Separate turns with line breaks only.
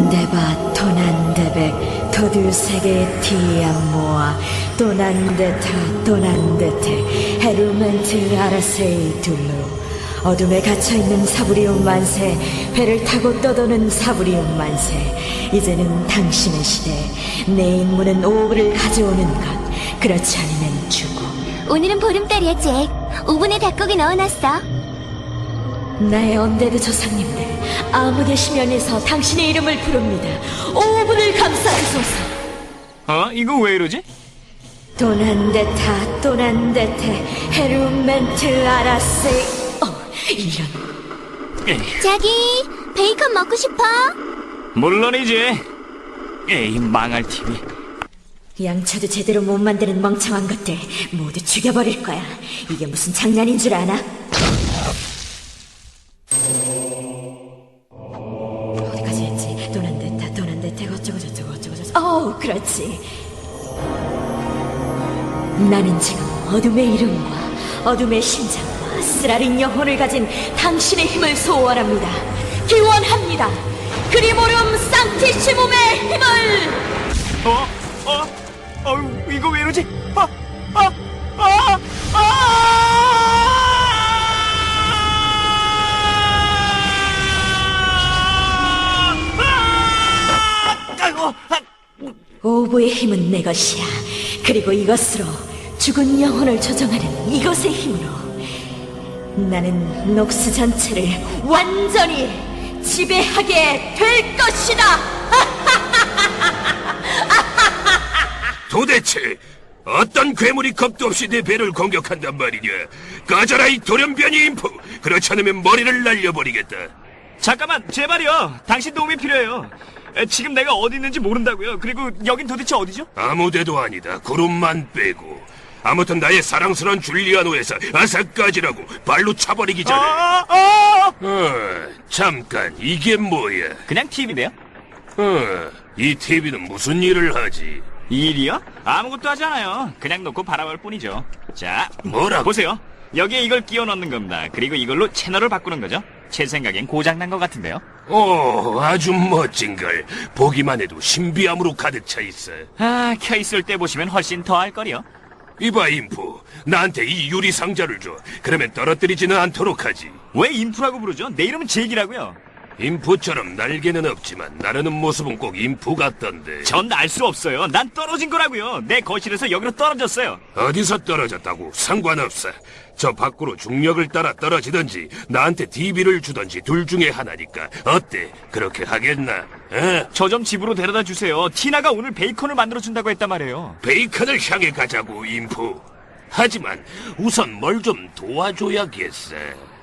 도난데바 도난데백 도들세계 디암모아 도난데타 도난데테 헤르멘트 아라세이 둘루 어둠에 갇혀있는 사부리움 만세 배를 타고 떠도는 사부리움 만세 이제는 당신의 시대 내 임무는 오브를 가져오는 것 그렇지 않으면 죽음
오늘은 보름달이야, 잭. 오븐에 닭고기 넣어놨어.
나의 언데드 조상님들 아무데 심연에서 당신의 이름을 부릅니다 오분을 감싸주소서
이거 왜 이러지?
도난데타 도난데테 헤르멘트 아라세 이런
자기, 베이컨 먹고 싶어?
물론이지. 에이, 망할 TV.
양초도 제대로 못 만드는 멍청한 것들 모두 죽여버릴 거야 이게 무슨 장난인 줄 아나? 어디까지 했지? 도난데타 도난데테 어쩌고 저쩌고 그렇지 나는 지금 어둠의 이름과 어둠의 심장과 쓰라린 영혼을 가진 당신의 힘을 소원합니다 기원합니다 그리모름 상티시몸의 힘을
이거 왜 이러지?
오브의 힘은 내 것이야. 그리고 이것으로 죽은 영혼을 조정하는 이것의 힘으로 나는 녹스 전체를 완전히 지배하게 될 것이다.
도대체 어떤 괴물이 겁도 없이 내 배를 공격한단 말이냐? 꺼져라 이 돌연변이 인프! 그렇지 않으면 머리를 날려버리겠다.
잠깐만, 제발요. 당신 도움이 필요해요. 지금 내가 어디 있는지 모른다고요. 그리고 여긴 도대체 어디죠?
아무데도 아니다. 구름만 빼고. 아무튼 나의 사랑스러운 줄리아노에서 아사까지라고 발로 차버리기 전에. 잠깐 이게 뭐야?
그냥 TV인데요.
이 TV는 무슨 일을 하지?
일이요? 아무것도 하지 않아요. 그냥 놓고 바라볼 뿐이죠. 자,
뭐라고?
보세요. 여기에 이걸 끼워 넣는 겁니다. 그리고 이걸로 채널을 바꾸는 거죠. 제 생각엔 고장난 것 같은데요.
오, 아주 멋진걸. 보기만 해도 신비함으로 가득 차 있어.
켜있을 때 보시면 훨씬 더 할 거리요.
이봐 인프, 나한테 이 유리 상자를 줘. 그러면 떨어뜨리지는 않도록 하지.
왜 인프라고 부르죠? 내 이름은 잭이라고요.
인프처럼 날개는 없지만 나르는 모습은 꼭 인프 같던데.
전 날 수 없어요. 난 떨어진 거라고요. 내 거실에서 여기로 떨어졌어요.
어디서 떨어졌다고? 상관없어. 저 밖으로 중력을 따라 떨어지든지 나한테 DB를 주든지 둘 중에 하나니까 어때? 그렇게 하겠나?
저 좀 집으로 데려다 주세요. 티나가 오늘 베이컨을 만들어준다고 했단 말이에요.
베이컨을 향해 가자고 인프. 하지만 우선 뭘 좀 도와줘야겠어.